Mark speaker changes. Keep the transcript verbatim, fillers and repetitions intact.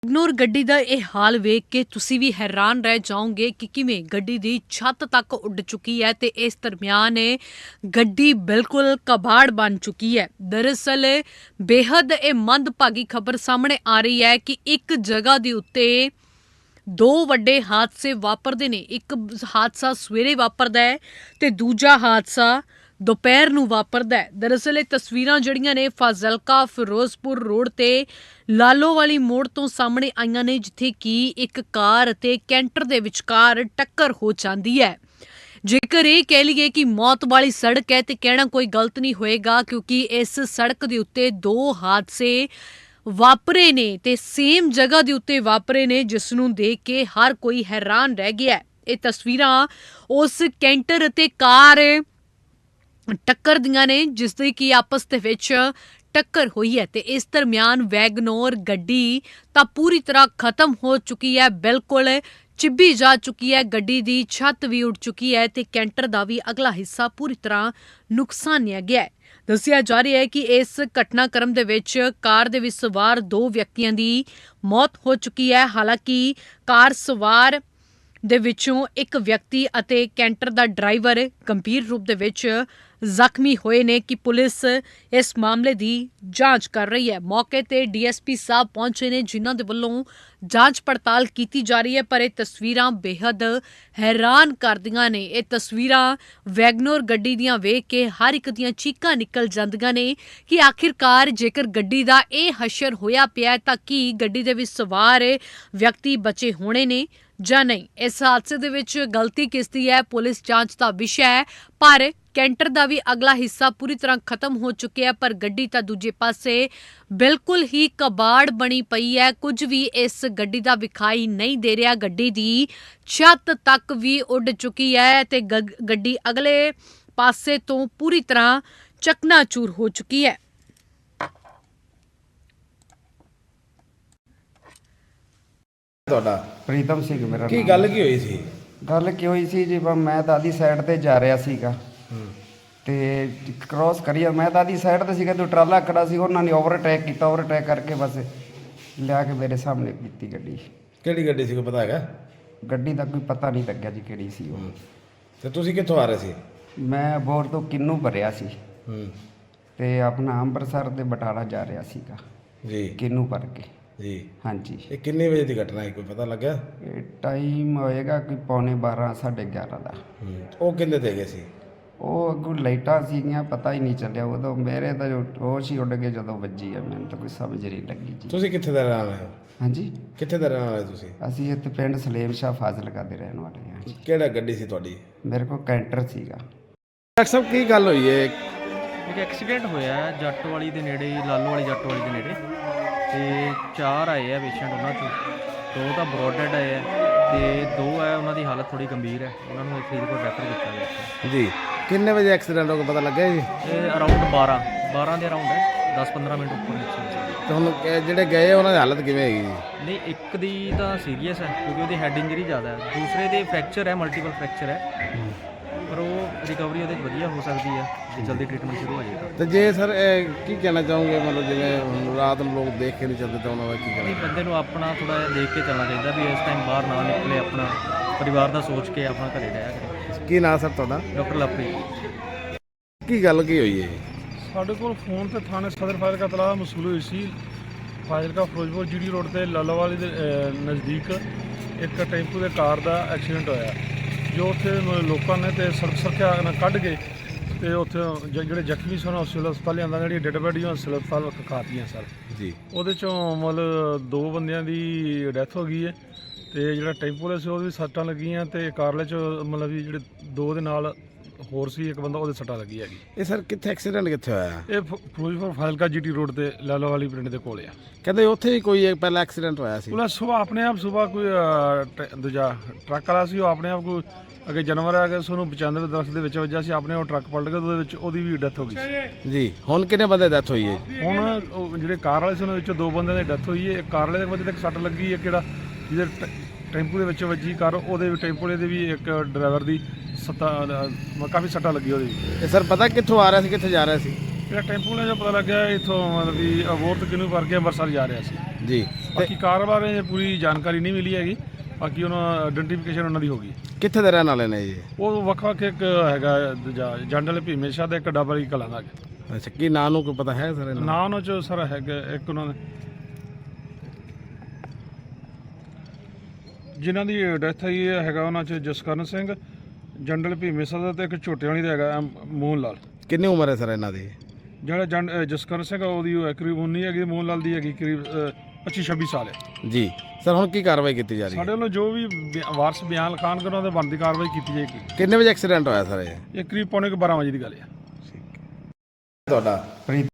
Speaker 1: ਵੈਗਨੋਰ ਗੱਡੀ ਦਾ ਇਹ ਹਾਲ ਵੇਖ ਕੇ ਤੁਸੀਂ ਵੀ ਹੈਰਾਨ ਰਹਿ ਜਾਓਗੇ ਕਿ ਕਿਵੇਂ ਗੱਡੀ ਦੀ ਛੱਤ ਤੱਕ ਉੱਡ ਚੁੱਕੀ ਹੈ ਤੇ ਇਸ ਦਰਮਿਆਨ ਇਹ ਗੱਡੀ ਬਿਲਕੁਲ ਕਬਾੜ ਬਣ ਚੁੱਕੀ ਹੈ। ਦਰਅਸਲ ਬੇहद ਇਹ ਮੰਦਭਾਗੀ ਖਬਰ ਸਾਹਮਣੇ ਆ ਰਹੀ ਹੈ ਕਿ ਇੱਕ ਜਗ੍ਹਾ ਦੇ ਉੱਤੇ ਦੋ ਵੱਡੇ ਹਾਦਸੇ ਵਾਪਰਦੇ ਨੇ। ਇੱਕ ਹਾਦਸਾ ਸਵੇਰੇ ਵਾਪਰਦਾ ਹੈ ਤੇ ਦੂਜਾ ਹਾਦਸਾ ਦੁਪਹਿਰ ਨੂੰ ਵਾਪਰਦਾ ਹੈ। ਦਰਅਸਲ ਇਹ ਤਸਵੀਰਾਂ ਜਿਹੜੀਆਂ ਨੇ ਫਾਜ਼ਿਲਕਾ ਫਿਰੋਜ਼ਪੁਰ ਰੋਡ ਤੇ ਲਾਲੋ ਵਾਲੀ ਮੋੜ ਤੋਂ ਸਾਹਮਣੇ ਆਈਆਂ ਨੇ, ਜਿੱਥੇ ਕਿ ਇੱਕ ਕਾਰ ਅਤੇ ਕੈਂਟਰ ਦੇ ਵਿਚਕਾਰ ਟੱਕਰ ਹੋ ਜਾਂਦੀ ਹੈ। ਜੇਕਰ ਇਹ ਕਹਿ ਲਈਏ ਕਿ ਮੌਤ ਵਾਲੀ ਸੜਕ ਹੈ ਤੇ ਕਹਿਣਾ ਕੋਈ ਗਲਤ ਨਹੀਂ ਹੋਏਗਾ, ਕਿਉਂਕਿ ਇਸ ਸੜਕ ਦੇ ਉੱਤੇ ਦੋ ਹਾਦਸੇ ਵਾਪਰੇ ਨੇ ਤੇ ਸੇਮ ਜਗ੍ਹਾ ਦੇ ਉੱਤੇ ਵਾਪਰੇ ਨੇ, ਜਿਸ ਨੂੰ ਦੇਖ ਕੇ ਹਰ ਕੋਈ ਹੈਰਾਨ ਰਹਿ ਗਿਆ। ਇਹ ਤਸਵੀਰਾਂ ਉਸ ਕੈਂਟਰ ਅਤੇ ਕਾਰ ਟੱਕਰ ਦੀਆਂ ਨੇ, ਜਿਸ ਦੀ ਕਿ ਆਪਸ ਦੇ ਵਿੱਚ ਟੱਕਰ ਹੋਈ ਹੈ ਤੇ ਇਸ ਦਰਮਿਆਨ ਵੈਗਨੋਰ ਗੱਡੀ ਤਾਂ ਪੂਰੀ ਤਰ੍ਹਾਂ ਖਤਮ ਹੋ ਚੁੱਕੀ ਹੈ, ਬਿਲਕੁਲ ਚਿੱਬੀ ਜਾ ਚੁੱਕੀ ਹੈ। ਗੱਡੀ ਦੀ ਛੱਤ ਵੀ ਉੱਡ ਚੁੱਕੀ ਹੈ ਤੇ ਕੈਂਟਰ ਦਾ ਵੀ ਅਗਲਾ ਹਿੱਸਾ ਪੂਰੀ ਤਰ੍ਹਾਂ ਨੁਕਸਾਨਿਆ ਗਿਆ ਹੈ। ਦੱਸਿਆ ਜਾ ਰਿਹਾ ਹੈ ਕਿ ਇਸ ਘਟਨਾਕ੍ਰਮ ਦੇ ਵਿੱਚ ਕਾਰ ਦੇ ਵਿੱਚ ਸਵਾਰ ਦੋ ਵਿਅਕਤੀਆਂ ਦੀ ਮੌਤ ਹੋ ਚੁੱਕੀ ਹੈ। ਹਾਲਾਂਕਿ ਕਾਰ ਸਵਾਰ ਦੇ ਵਿੱਚੋਂ ਇੱਕ ਵਿਅਕਤੀ ਅਤੇ ਕੈਂਟਰ ਦਾ ਡਰਾਈਵਰ ਗੰਭੀਰ ਰੂਪ ਦੇ ਵਿੱਚ ਜ਼ਖਮੀ ਹੋਏ ਨੇ ਕਿ ਪੁਲਿਸ ਇਸ ਮਾਮਲੇ ਦੀ ਜਾਂਚ ਕਰ ਰਹੀ ਹੈ। ਮੌਕੇ ਤੇ ਡੀਐਸਪੀ ਸਾਹਿਬ ਪਹੁੰਚੇ ਨੇ, ਜਿਨ੍ਹਾਂ ਦੇ ਵੱਲੋਂ ਜਾਂਚ ਪੜਤਾਲ ਕੀਤੀ ਜਾ ਰਹੀ ਹੈ। ਪਰ ਇਹ ਤਸਵੀਰਾਂ ਬੇहद ਹੈਰਾਨ ਕਰਦੀਆਂ ਨੇ। ਇਹ ਤਸਵੀਰਾਂ ਵੈਗਨੋਰ ਗੱਡੀ ਦੀਆਂ ਵੇਖ ਕੇ ਹਰ ਇੱਕ ਦੀਆਂ ਚੀਕਾਂ ਨਿਕਲ ਜਾਂਦੀਆਂ ਨੇ ਕਿ ਆਖਿਰਕਾਰ ਜੇਕਰ ਗੱਡੀ ਦਾ ਇਹ ਹਸ਼ਰ ਹੋਇਆ ਪਿਆ ਤਾਂ ਕੀ ਗੱਡੀ ਦੇ ਵਿੱਚ ਸਵਾਰ ਵਿਅਕਤੀ ਬਚੇ ਹੋਣੇ ਨੇ ਜਾਂ ਨਹੀਂ। ਇਸ ਹਾਦਸੇ ਦੇ ਵਿੱਚ ਗਲਤੀ ਕਿਸ ਦੀ ਹੈ, ਪੁਲਿਸ ਜਾਂਚ ਦਾ ਵਿਸ਼ਾ ਹੈ। ਪਰ ਕੈਂਟਰ ਦਾ ਵੀ ਅਗਲਾ ਹਿੱਸਾ ਪੂਰੀ ਤਰ੍ਹਾਂ ਖਤਮ ਹੋ ਚੁੱਕਿਆ, ਪਰ ਗੱਡੀ ਤਾਂ ਦੂਜੇ ਪਾਸੇ ਬਿਲਕੁਲ ਹੀ ਕਬਾੜ ਬਣੀ ਪਈ ਹੈ। ਕੁਝ ਵੀ ਇਸ ਗੱਡੀ ਦਾ ਵਿਖਾਈ ਨਹੀਂ ਦੇ ਰਿਹਾ। ਗੱਡੀ ਦੀ ਛੱਤ ਤੱਕ ਵੀ ਉੱਡ ਚੁੱਕੀ ਹੈ ਤੇ ਗੱਡੀ ਅਗਲੇ ਪਾਸੇ ਤੋਂ ਪੂਰੀ ਤਰ੍ਹਾਂ ਚਕਨਾਚੂਰ ਹੋ ਚੁੱਕੀ ਹੈ।
Speaker 2: ਤੁਹਾਡਾ
Speaker 3: ਪ੍ਰੀਤਮ ਸਿੰਘ ਮੇਰਾ
Speaker 2: ਕੀ
Speaker 3: ਨਾਮ।
Speaker 2: ਗੱਲ ਕੀ ਹੋਈ ਸੀ?
Speaker 3: ਗੱਲ ਕੀ ਹੋਈ ਸੀ ਜੀ, ਮੈਂ ਤਾਂ ਆਦੀ ਸਾਈਡ ਤੇ ਜਾ ਰਿਹਾ ਸੀਗਾ ਤੇ ਕ੍ਰਾਸ ਕਰੀਆ, ਮੈਂ ਤਾਂ ਆਦੀ ਸਾਈਡ ਤੇ ਸੀਗਾ ਤੇ ਟਰਾਲਾ ਖੜਾ ਸੀ, ਉਹਨਾਂ ਨੇ ਓਵਰਟੇਕ ਕੀਤਾ। ਓਵਰਟੇਕ ਕਰਕੇ ਬਸ ਲਿਆ ਕੇ ਮੇਰੇ ਸਾਹਮਣੇ ਕੀਤੀ ਗੱਡੀ।
Speaker 2: ਕਿਹੜੀ ਗੱਡੀ ਸੀ, ਕੋਈ ਪਤਾ ਹੈਗਾ?
Speaker 3: ਗੱਡੀ ਦਾ ਕੋਈ ਪਤਾ ਨਹੀਂ ਲੱਗਿਆ ਜੀ ਕਿਹੜੀ ਸੀ ਉਹ।
Speaker 2: ਤੇ ਤੁਸੀਂ ਕਿੱਥੋਂ ਆ ਰਹੇ ਸੀ?
Speaker 3: ਮੈਂ ਬੋਰ ਤੋਂ ਕਿੰਨੂ ਭਰਿਆ ਸੀ
Speaker 2: ਹੂੰ
Speaker 3: ਤੇ ਆਪਣਾ ਅੰਮ੍ਰਿਤਸਰ ਤੇ ਬਟਾਲਾ ਜਾ ਰਿਹਾ ਸੀਗਾ
Speaker 2: ਜੀ।
Speaker 3: ਕਿੰਨੂ ਭਰ ਕੇ
Speaker 2: ਜੀ
Speaker 3: ਹਾਂਜੀ।
Speaker 2: ਇਹ ਕਿੰਨੇ ਵਜੇ ਦੀ ਘਟਨਾ ਹੈ, ਕੋਈ ਪਤਾ ਲੱਗਿਆ?
Speaker 3: ਇਹ ਟਾਈਮ ਹੋਏਗਾ ਕਿ ਪੌਣੇ ਬਾਰਾਂ ਸਾਢੇ ਗਿਆਰਾਂ ਦਾ।
Speaker 2: ਹੂੰ ਉਹ ਕਿੰਨੇ ਤੇ ਗਏ ਸੀ?
Speaker 3: ਉਹ ਅੱਗੋਂ ਲਾਈਟਾਂ ਸੀਗੀਆਂ, ਪਤਾ ਹੀ ਨਹੀਂ ਚੱਲਿਆ ਉਦੋਂ। ਮੇਰੇ ਤਾਂ ਜੋ ਹੋਸ਼ ਹੀ ਉੱਡ ਗਏ ਜਦੋਂ ਵੱਜੀ ਆ, ਮੈਨੂੰ ਤਾਂ ਕੋਈ ਸਮਝ ਨਹੀਂ ਲੱਗੀ ਜੀ।
Speaker 2: ਤੁਸੀਂ ਕਿੱਥੇ ਦਾ ਰਹਿਣ ਵਾਲੇ ਹੋ?
Speaker 3: ਹਾਂਜੀ,
Speaker 2: ਕਿੱਥੇ ਦਾ ਰਹਿਣ ਵਾਲੇ ਤੁਸੀਂ?
Speaker 3: ਅਸੀਂ ਇੱਥੇ ਪਿੰਡ ਸਲੇਮ ਸ਼ਾਹ ਫਾਜ਼ਿਲਕਾ ਦੇ ਰਹਿਣ ਵਾਲੇ ਹਾਂ ਜੀ।
Speaker 2: ਕਿਹੜਾ ਗੱਡੀ ਸੀ ਤੁਹਾਡੀ?
Speaker 3: ਮੇਰੇ ਕੋਲ ਕੈਂਟਰ ਸੀਗਾ।
Speaker 2: ਡਾਕਟਰ ਸਾਹਿਬ ਕੀ ਗੱਲ ਹੋਈ ਹੈ?
Speaker 4: ਇੱਕ ਐਕਸੀਡੈਂਟ ਹੋਇਆ ਹੈ ਜੱਟ ਵਾਲੀ ਦੇ ਨੇੜੇ, ਲਾਲੋ ਵਾਲੀ ਜੱਟ ਵਾਲੀ ਦੇ ਨੇੜੇ, ਤੇ ਚਾਰ ਆਏ ਆ ਪੇਸ਼ੈਂਟ, ਉਹਨਾਂ ਚੋਂ ਦੋ ਤਾਂ ਬਰੋਡ ਡੈਡ ਆਏ ਆ ਤੇ ਦੋ ਹੈ ਉਹਨਾਂ ਦੀ ਹਾਲਤ ਥੋੜੀ ਗੰਭੀਰ ਹੈ, ਉਹਨਾਂ ਨੂੰ ਫਰੀਦਕੋਟ ਰੈਫਰ ਕੀਤਾ ਗਿਆ
Speaker 2: ਜੀ। ਕਿੰਨੇ ਵਜੇ ਐਕਸੀਡੈਂਟ ਹੋ ਗਿਆ, ਪਤਾ ਲੱਗਿਆ ਜੀ?
Speaker 4: ਇਹ ਅਰਾਊਂਡ ਬਾਰਾਂ ਬਾਰਾਂ ਦੇ ਅਰਾਊਂਡ ਹੈ, ਦਸ ਪੰਦਰਾਂ ਮਿੰਟ ਉੱਪਰ ਐਕਸੀਡੈਂਟ।
Speaker 2: ਤੇ ਹੁਣ ਇਹ ਜਿਹੜੇ ਗਏ ਉਹਨਾਂ ਦੀ ਹਾਲਤ ਕਿਵੇਂ ਹੈਗੀ ਜੀ?
Speaker 4: ਨਹੀਂ, ਇੱਕ ਦੀ ਤਾਂ ਸੀਰੀਅਸ ਹੈ ਕਿਉਂਕਿ ਉਹਦੀ ਹੈਡ ਇੰਜਰੀ ਜ਼ਿਆਦਾ ਹੈ, ਦੂਸਰੇ ਦੇ ਫ੍ਰੈਕਚਰ ਹੈ, ਮਲਟੀਪਲ ਫ੍ਰੈਕਚਰ ਹੈ, ਪਰ ਉਹ ਰਿਕਵਰੀ ਉਹਦੇ ਵਧੀਆ ਹੋ ਸਕਦੀ ਹੈ ਜੇ ਜਲਦੀ ਟ੍ਰੀਟਮੈਂਟ ਸ਼ੁਰੂ ਹੋ ਜਾਏਗਾ।
Speaker 2: ਤੇ ਜੇ ਸਰ ਕੀ ਕਹਿਣਾ ਚਾਹੋਗੇ, ਮਤਲਬ ਜਿਵੇਂ ਹੁਣ ਰਾਤ ਨੂੰ ਲੋਕ ਦੇਖ ਕੇ ਨਹੀਂ ਚੱਲਦੇ ਤਾਂ ਉਹਨਾਂ ਦਾ ਕੀ
Speaker 4: ਨਹੀਂ,
Speaker 2: ਕਹਿਣਾ?
Speaker 4: ਬੰਦੇ ਨੂੰ ਆਪਣਾ ਥੋੜ੍ਹਾ ਜਿਹਾ ਦੇਖ ਕੇ ਚੱਲਣਾ ਚਾਹੀਦਾ ਵੀ ਇਸ ਟਾਈਮ ਬਾਹਰ ਨਾ ਨਿਕਲੇ, ਆਪਣਾ ਪਰਿਵਾਰ ਦਾ ਸੋਚ ਕੇ ਆਪਣਾ ਘਰੇ ਰਹਿਆ ਕਰੇ।
Speaker 2: ਕੀ ਨਾਂ ਸਰ ਤੁਹਾਡਾ?
Speaker 4: ਡਾਕਟਰ ਲਵਪ੍ਰੀਤ।
Speaker 2: ਕੀ ਗੱਲ ਕੀ ਹੋਈ ਹੈ?
Speaker 5: ਸਾਡੇ ਕੋਲ ਫੋਨ ਤੇ ਥਾਣੇ ਸਦਰ ਫਾਜ਼ਿਲਕਾ ਤਲਾਹ ਮਸੂਲ ਹੋਈ ਸੀ। ਫਾਜ਼ਿਲਕਾ ਫਿਰੋਜ਼ਪੁਰ ਜੀਡੀ ਰੋਡ ਤੇ ਲਾਲੋਵਾਲੀ ਦੇ ਨਜ਼ਦੀਕ ਇੱਕ ਟੈਂਪੂ ਦੇ ਕਾਰ ਦਾ ਐਕਸੀਡੈਂਟ ਹੋਇਆ, ਜੋ ਉੱਥੇ ਲੋਕਾਂ ਨੇ ਤੇ ਸੜਕ ਸੁਰੱਖਿਆ ਨਾਲ ਕੱਢ ਕੇ ਤੇ ਉੱਥੇ ਜ- ਜਿਹੜੇ ਜ਼ਖਮੀ ਸਨ ਉਹ ਸਿਵਲ ਹਸਪਤਾਲ ਲਿਆਂਦਾ, ਜਿਹੜੀਆਂ ਡੈਡ ਬੋਡੀਆਂ ਸਿਵਲ ਹਸਪਤਾਲ ਖਾਤੀਆਂ ਸਰ
Speaker 2: ਜੀ।
Speaker 5: ਉਹਦੇ ਚੋਂ ਮਤਲਬ ਦੋ ਬੰਦਿਆਂ ਦੀ ਡੈਥ ਹੋ ਗਈ ਹੈ ਤੇ ਜਿਹੜਾ ਟੈਂਪੂ ਵਾਲਾ ਸੀ ਉਹਦੇ ਵੀ ਸੱਟਾਂ ਲੱਗੀਆਂ ਤੇ ਕਾਰਲੇ 'ਚ ਮਤਲਬ ਵੀ ਜਿਹੜੇ ਦੋ ਦੇ ਨਾਲ ਹੋਰ ਸੀ ਇੱਕ ਬੰਦਾ, ਉਹਦੇ ਸੱਟਾਂ ਲੱਗੀ ਹੈਗੀ।
Speaker 2: ਇਹ ਸਰ ਕਿੱਥੇ ਐਕਸੀਡੈਂਟ ਕਿੱਥੇ ਹੋਇਆ?
Speaker 5: ਇਹ ਫ- ਫਿਰੋਜ਼ਪੁਰ ਫਾਜ਼ਿਲਕਾ ਜੀਟੀ ਰੋਡ ਤੇ ਲਾਲੋ ਵਾਲੀ ਪਿੰਡ ਦੇ ਕੋਲ ਆ।
Speaker 2: ਕਹਿੰਦੇ ਉੱਥੇ ਹੀ ਕੋਈ ਇੱਕ ਪਹਿਲਾਂ ਐਕਸੀਡੈਂਟ ਹੋਇਆ ਸੀ।
Speaker 5: ਉਹਦਾ ਸੁਬਾਹ ਆਪਣੇ ਆਪ ਸੁਬਾਹ ਕੋਈ ਅਹ, ਟ- ਦੂਜਾ ਟਰੱਕ ਵਾਲਾ ਸੀ, ਉਹ ਆਪਣੇ ਆਪ ਕੋਈ ਅੱਗੇ ਜਾਨਵਰ ਆ ਗਿਆ, ਉਹਨੂੰ ਪਚਾਨਵੇਂ ਦਰਖਤ ਦੇ ਵਿੱਚ ਵੱਜਿਆ ਸੀ, ਆਪਣੇ ਉਹ ਟਰੱਕ ਪਲਟ ਗਿਆ, ਉਹਦੇ ਵਿੱਚ ਉਹਦੀ ਵੀ ਡੈਥ ਹੋ ਗਈ ਸੀ।
Speaker 2: ਜੀ। ਹੁਣ ਕਿੰਨੇ ਬੰਦੇ ਡੈਥ ਹੋਈ ਹੈ?
Speaker 5: ਹੁਣ ਉਹ ਜਿਹੜੇ ਕਾਰ ਵਾਲੇ ਸੀ ਉਹਨਾਂ ਵਿੱਚੋਂ ਦੋ ਬੰਦਿਆਂ ਦੀ ਡੈਥ ਹੋਈ ਹੈ। ਇੱਕ ਕਾਰ ਵਾਲੇ ਦੇ ਬੰਦੇ ਤੇ ਇੱਕ ਸੱਟ ਲੱਗੀ ਹੈ, ਕਿਹੜਾ ਜਿਹਦੇ ਟ- ਟੈਂਪੂ ਦੇ ਵਿੱਚ ਵੱਜੀ ਕਾਰ, ਉਹਦੇ ਵੀ ਟੈਂਪੂ ਵਾਲੇ ਦੇ ਵੀ ਇੱਕ ਡਰਾਈਵਰ ਦੀ ਸੱਟਾਂ ਕਾਫੀ ਸੱਟਾਂ ਲੱਗੀ ਉਹਦੀ।
Speaker 2: ਇਹ ਸਰ ਪਤਾ ਕਿੱਥੋਂ ਆ ਰਿਹਾ ਸੀ, ਕਿੱਥੇ ਜਾ ਰਿਹਾ ਸੀ?
Speaker 5: ਜਿਹੜਾ ਟੈਂਪੂ ਵਾਲੇ ਦਾ ਪਤਾ ਲੱਗਿਆ ਇੱਥੋਂ ਮਤਲਬ ਵੀ ਅਬੋਹਰ ਤੋਂ ਕਿਨੂੰ ਭਰ ਕੇ ਅੰਮ੍ਰਿਤਸਰ ਜਾ ਰਿਹਾ ਸੀ।
Speaker 2: ਜੀ
Speaker 5: ਬਾਕੀ ਕਾਰ ਬਾਰੇ ਪੂਰੀ ਜਾਣਕਾਰੀ ਨਹੀਂ ਮਿਲੀ ਹੈਗੀ। ਬਾਕੀ ਉਹਨਾਂ ਆਇਡੈਂਟੀਫਿਕੇਸ਼ਨ ਉਹਨਾਂ ਦੀ ਹੋ ਗਈ।
Speaker 2: ਕਿੱਥੇ ਦੇ ਰਹਿਣ ਵਾਲੇ ਨੇ ਜੀ?
Speaker 5: ਉਹ ਵੱਖ ਵੱਖ ਇੱਕ ਹੈਗਾ ਦੂਜਾ ਜੰਡਲ ਭੀਮੇ ਸ਼ਾਹ ਦਾ, ਇੱਕ ਡਬਲ ਕਲਾਂ ਦਾ।
Speaker 2: ਅੱਛਾ, ਕੀ ਨਾਂ ਨੂੰ ਕੋਈ ਪਤਾ ਹੈ ਸਰ?
Speaker 5: ਨਾਂ ਉਹਨਾਂ 'ਚ ਸਰ ਹੈਗਾ ਇੱਕ ਉਹਨਾਂ ਦੇ ਜਿਨ੍ਹਾਂ ਦੀ ਡੈਥ ਹੋਈ ਹੈ ਹੈਗਾ ਉਹਨਾਂ 'ਚ ਜਸਕਰਨ ਸਿੰਘ ਜੰਡਲ ਭੀਮੇ ਸ਼ਾਹ ਦਾ, ਤੇ ਇੱਕ ਛੋਟੇ ਵਾਲੀ ਦਾ ਹੈਗਾ ਮੋਹਨ ਲਾਲ।
Speaker 2: ਕਿੰਨੀ ਉਮਰ ਹੈ ਸਰ ਇਹਨਾਂ ਦੀ?
Speaker 5: ਜਿਹੜਾ ਜੰਡ ਜਸਕਰਨ ਸਿੰਘ ਆ ਉਹਦੀ ਕਰੀਬ ਉੱਨੀ ਹੈਗੀ, ਮੋਹਨ ਲਾਲ ਦੀ ਹੈਗੀ ਕਰੀਬ ਪੱਚੀ ਛੱਬੀ ਸਾਲ ਹੈ
Speaker 2: ਜੀ ਸਰ, ਹੁਣ ਕੀ ਕਾਰਵਾਈ ਕੀਤੀ ਜਾ ਰਹੀ ਹੈ?
Speaker 5: ਸਾਡੇ ਵੱਲੋਂ ਜੋ ਵੀ ਬਿ- ਵਾਰਸ ਬਿਆਨ ਲਿਖਾਣ ਕੇ ਉਹਨਾਂ ਦੇ ਬਣਦੀ ਕਾਰਵਾਈ ਕੀਤੀ ਜਾਏਗੀ।
Speaker 2: ਕਿੰਨੇ ਵਜੇ ਐਕਸੀਡੈਂਟ ਹੋਇਆ ਸਰ ਇਹ?
Speaker 5: ਇਹ ਕਰੀਬ ਪੌਣੇ ਕੁ ਬਾਰਾਂ ਵਜੇ ਦੀ ਗੱਲ ਹੈ।
Speaker 2: ਤੁਹਾਡਾ?
Speaker 3: ਪ੍ਰੀਤ